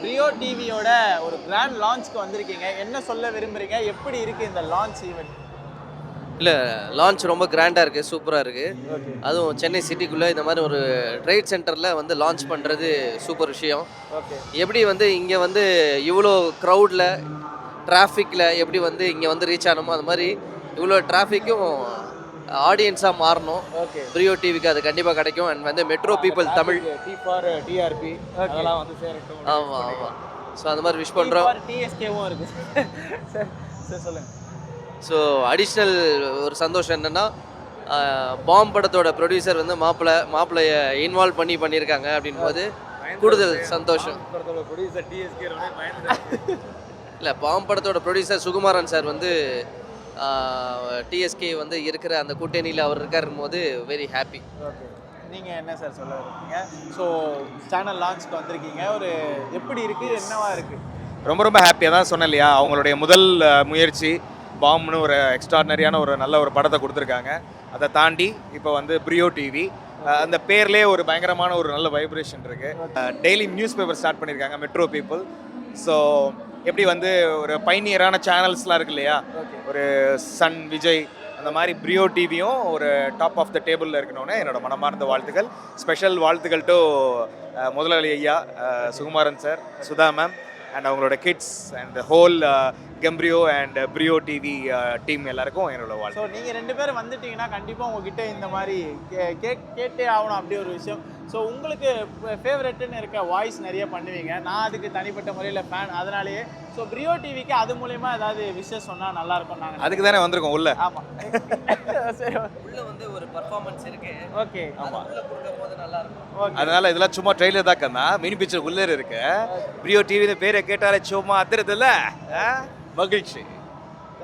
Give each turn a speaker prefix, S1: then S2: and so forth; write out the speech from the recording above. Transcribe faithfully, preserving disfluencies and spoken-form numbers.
S1: Rio டிவியோட ஒரு grand லான்ச்க்கு வந்திருக்கீங்க. என்ன சொல்ல விரும்புறீங்க? எப்படி இருக்கு இந்த லான்ச் ஈவென்ட்?
S2: இல்லை, லான்ச் ரொம்ப கிராண்டாக இருக்குது, சூப்பராக இருக்குது. அதுவும் சென்னை சிட்டிக்குள்ளே இந்த மாதிரி ஒரு ட்ரேட் சென்டரில் வந்து லான்ச் பண்ணுறது சூப்பர் விஷயம்.
S1: ஓகே.
S2: எப்படி வந்து இங்கே வந்து இவ்வளோ க்ரௌடில் டிராஃபிக்கில் எப்படி வந்து இங்கே வந்து ரீச் ஆனமோ அது மாதிரி இவ்வளோ டிராஃபிக்கும் ஆடியன்ஸாக மாறணும்.
S1: ஓகே.
S2: ப்ரியோ டிவிக்கு அது கண்டிப்பாக கிடைக்கும். அண்ட் வந்து metro people Tamil
S1: T for TRP அதெல்லாம் வந்து சேரட்டும்.
S2: ஆமாம் ஆமாம் ஸோ அந்த மாதிரி விஷ் பண்ணுறோம்.
S1: டிஎஸ்கேவும் இருக்கு. சார் சார் சொல்லுங்கள்.
S2: ஸோ அடிஷ்னல் ஒரு சந்தோஷம் என்னென்னா, பாம் படத்தோட ப்ரொடியூசர் வந்து மாப்பிள்ளை மாப்பிள்ளையை இன்வால்வ் பண்ணி பண்ணியிருக்காங்க அப்படின் போது கூடுதல் சந்தோஷம். இல்லை, பாம் படத்தோட ப்ரொடியூசர் சுகுமாரன் சார் வந்து டிஎஸ்கே வந்து இருக்கிற அந்த கூட்டணியில் அவர் இருக்காரும் போது வெரி ஹாப்பி.
S1: ஓகே. நீங்கள் என்ன சார் சொல்ல விரும்புறீங்க? ஸோ சேனல் லான்ச்க்கு வந்திருக்கீங்க, ஒரு எப்படி இருக்குது, என்னவா இருக்குது?
S3: ரொம்ப ரொம்ப ஹாப்பியாக தான் சொன்னேன் இல்லையா, அவங்களுடைய முதல் முயற்சி பாம்னு ஒரு எக்ஸ்ட்ராடனரியான ஒரு நல்ல ஒரு படத்தை கொடுத்துருக்காங்க. அதை தாண்டி இப்போ வந்து ப்ரியோ டிவி அந்த பேர்லேயே ஒரு பயங்கரமான ஒரு நல்ல வைப்ரேஷன் இருக்குது. டெய்லி நியூஸ் பேப்பர் ஸ்டார்ட் பண்ணியிருக்காங்க மெட்ரோ பீப்புள். ஸோ எப்படி வந்து ஒரு பைனியரான சேனல்ஸ்லாம் இருக்கு இல்லையா, ஒரு சன் விஜய் அந்த மாதிரி ப்ரியோ டிவியும் ஒரு டாப் ஆஃப் த டேபிளில் இருக்கணும்னு என்னோட மனமார்ந்த வாழ்த்துக்கள். ஸ்பெஷல் வாழ்த்துக்கள் டு முதலாளி ஐயா Sukumaran sir, Sudha ma'am and அவங்களோட கிட்ஸ் அண்ட் ஹோல் கெம்ப்ரியோ அண்ட் ப்ரியோ டிவி டீம் எல்லாருக்கும் என்னோட வாழ்த்து.
S1: ஸோ நீங்கள் ரெண்டு பேரும் வந்துட்டீங்கன்னா கண்டிப்பாக உங்ககிட்ட இந்த மாதிரி கே கேக் கேட்டே ஆகணும் அப்படி ஒரு விஷயம். ஸோ உங்களுக்கு ஃபேவரெட்டுன்னு இருக்க வாய்ஸ் நிறைய பண்ணுவீங்க, நான் அதுக்கு தனிப்பட்ட முறையில் ஃபேன். அதனாலேயே ஸோ ப்ரியோ டிவிக்கு அது மூலயமா ஏதாவது விஷயம் சொன்னால் நல்லாயிருக்கும். நாங்கள்
S3: அதுக்கு தானே வந்திருக்கோம் உள்ள.
S1: ஆமாம். சரி,
S2: உள்ள வந்து ஒரு பர்ஃபார்மன்ஸ் இருக்கு.
S1: ஓகே.
S3: ஆமாம்,
S2: உள்ள கொடுக்கும் போது நல்லா இருக்கும்.
S1: ஓகே.
S3: அதனால இதெல்லாம் சும்மா ட்ரெயிலர் தான் கண்ணா, மினி பிக்சர் உள்ளே இருக்கு. ப்ரியோ டிவின்னு பேரை கேட்டாலே சும்மா அதிரதில்ல, மகிழ்ச்சி.